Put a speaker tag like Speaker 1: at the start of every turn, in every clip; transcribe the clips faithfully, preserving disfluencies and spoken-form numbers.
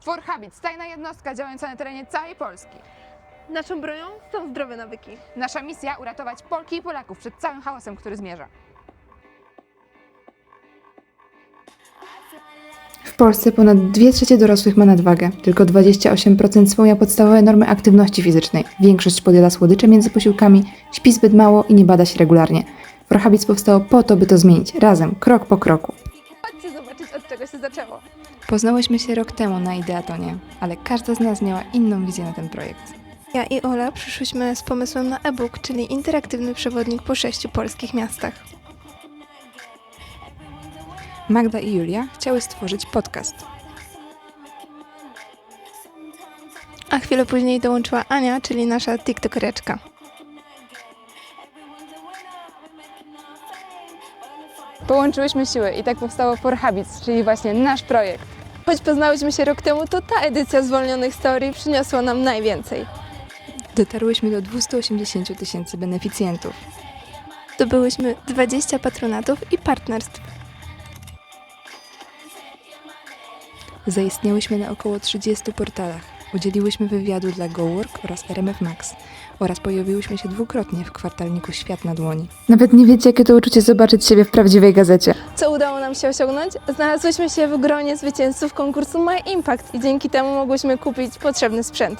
Speaker 1: For Habits, tajna jednostka działająca na terenie całej Polski.
Speaker 2: Naszą bronią są zdrowe nawyki.
Speaker 1: Nasza misja uratować Polki i Polaków przed całym hałasem, który zmierza.
Speaker 3: W Polsce ponad dwie trzecie dorosłych ma nadwagę. Tylko dwadzieścia osiem procent spełnia podstawowe normy aktywności fizycznej. Większość podjada słodycze między posiłkami, śpi zbyt mało i nie bada się regularnie. For Habits powstało po to, by to zmienić. Razem, krok po kroku.
Speaker 2: Chodźcie zobaczyć, od czego się zaczęło.
Speaker 3: Poznałyśmy się rok temu na Ideatonie, ale każda z nas miała inną wizję na ten projekt.
Speaker 2: Ja i Ola przyszłyśmy z pomysłem na e-book, czyli interaktywny przewodnik po sześciu polskich miastach.
Speaker 3: Magda i Julia chciały stworzyć podcast.
Speaker 2: A chwilę później dołączyła Ania, czyli nasza tiktokereczka.
Speaker 1: Połączyłyśmy siły i tak powstało For Habits, czyli właśnie nasz projekt.
Speaker 2: Choć poznałyśmy się rok temu, to ta edycja zwolnionych story przyniosła nam najwięcej.
Speaker 3: Dotarłyśmy do dwieście osiemdziesiąt tysięcy beneficjentów.
Speaker 2: Zdobyłyśmy dwadzieścia patronatów i partnerstw.
Speaker 3: Zaistniałyśmy na około trzydziestu portalach. Udzieliłyśmy wywiadu dla GoWork oraz R M F Max oraz pojawiłyśmy się dwukrotnie w kwartalniku Świat na dłoni. Nawet nie wiecie, jakie to uczucie zobaczyć siebie w prawdziwej gazecie.
Speaker 2: Co udało nam się osiągnąć? Znalazłyśmy się w gronie zwycięzców konkursu My Impact i dzięki temu mogłyśmy kupić potrzebny sprzęt.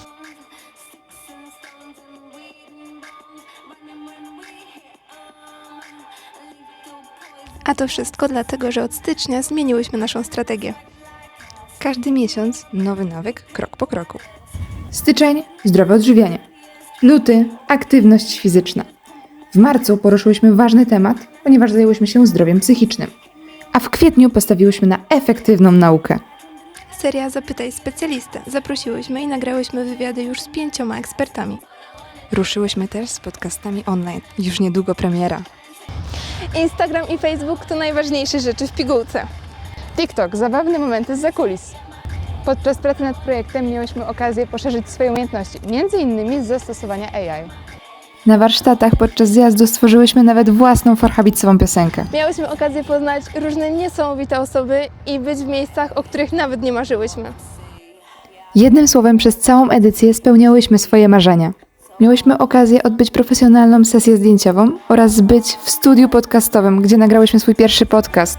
Speaker 2: A to wszystko dlatego, że od stycznia zmieniłyśmy naszą strategię.
Speaker 3: Każdy miesiąc nowy nawyk, krok po kroku. Styczeń – zdrowe odżywianie. Luty – aktywność fizyczna. W marcu poruszyłyśmy ważny temat, ponieważ zajęłyśmy się zdrowiem psychicznym. A w kwietniu postawiłyśmy na efektywną naukę.
Speaker 2: Seria Zapytaj specjalistę. Zaprosiłyśmy i nagrałyśmy wywiady już z pięcioma ekspertami.
Speaker 3: Ruszyłyśmy też z podcastami online. Już niedługo premiera.
Speaker 2: Instagram i Facebook to najważniejsze rzeczy w pigułce.
Speaker 1: TikTok, zabawne momenty zza kulis. Podczas pracy nad projektem miałyśmy okazję poszerzyć swoje umiejętności, między innymi z zastosowania A I.
Speaker 3: Na warsztatach podczas zjazdu stworzyłyśmy nawet własną For Habitsową piosenkę.
Speaker 2: Miałyśmy okazję poznać różne niesamowite osoby i być w miejscach, o których nawet nie marzyłyśmy.
Speaker 3: Jednym słowem, przez całą edycję spełniałyśmy swoje marzenia. Miałyśmy okazję odbyć profesjonalną sesję zdjęciową oraz być w studiu podcastowym, gdzie nagrałyśmy swój pierwszy podcast.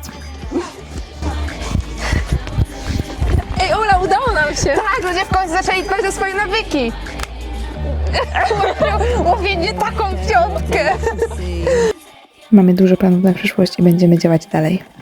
Speaker 2: Ej Ola, udało nam się!
Speaker 1: Tak, ludzie w końcu zaczęli dbać o swoje nawyki. Mówię nie taką piątkę.
Speaker 3: Mamy dużo planów na przyszłość i będziemy działać dalej.